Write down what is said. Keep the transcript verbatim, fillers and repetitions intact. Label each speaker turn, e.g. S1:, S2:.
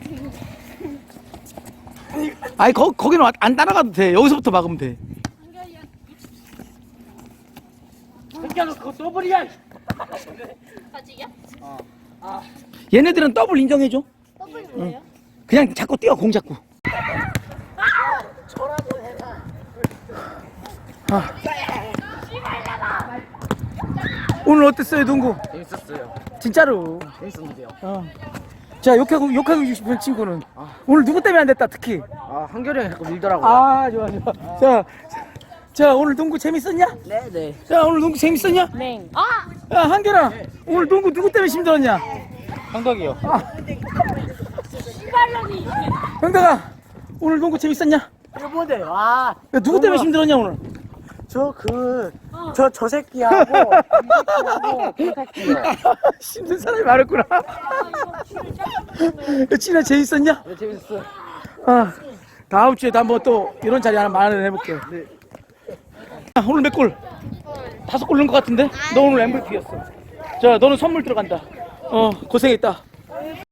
S1: 아니 거, 거기는 안 따라가도 돼. 여기서부터 막으면 돼.
S2: 야, 너 그거 더블이야.
S3: 아직이야?
S1: 얘네들은 더블 인정해줘.
S3: 더블이 뭐예요?
S1: 그냥 자꾸 뛰어 공 잡고. 아. 오늘 어땠어요 농구?
S2: 재밌었어요.
S1: 진짜로.
S2: 재밌었는데요.
S1: 어. 자 욕하고 욕하고 싶은 친구는 오늘 누구 때문에 안 됐다 특히.
S2: 아, 한결이 형이 자꾸 밀더라고요.
S1: 아 좋아 좋아. 자, 자 오늘 농구 재밌었냐?
S2: 네네.
S1: 자 오늘 농구 재밌었냐?
S3: 네. 아!
S1: 야 한결아 오늘 농구 누구 때문에 힘들었냐?
S2: 한덕이요.
S3: 씨발년이.
S1: 형덕아 오늘 농구 재밌었냐?
S2: 이거 뭔데? 와.
S1: 야, 누구 때문에 힘들었냐 오늘?
S2: 저 그, 저, 저 새끼하고, 이 새끼하고, 그 새끼요.
S1: 힘든 사람이 많았구나. 야, 진아 재밌었냐?
S2: 네, 재밌었어요.
S1: 아, 다음 주에도 한번 또 이런 자리 하나 마련해볼게. 네. 아, 오늘 몇 골? 다섯 골 넣은 것 같은데? 너 오늘 엠브이피였어. 자, 너는 선물 들어간다. 어, 고생했다.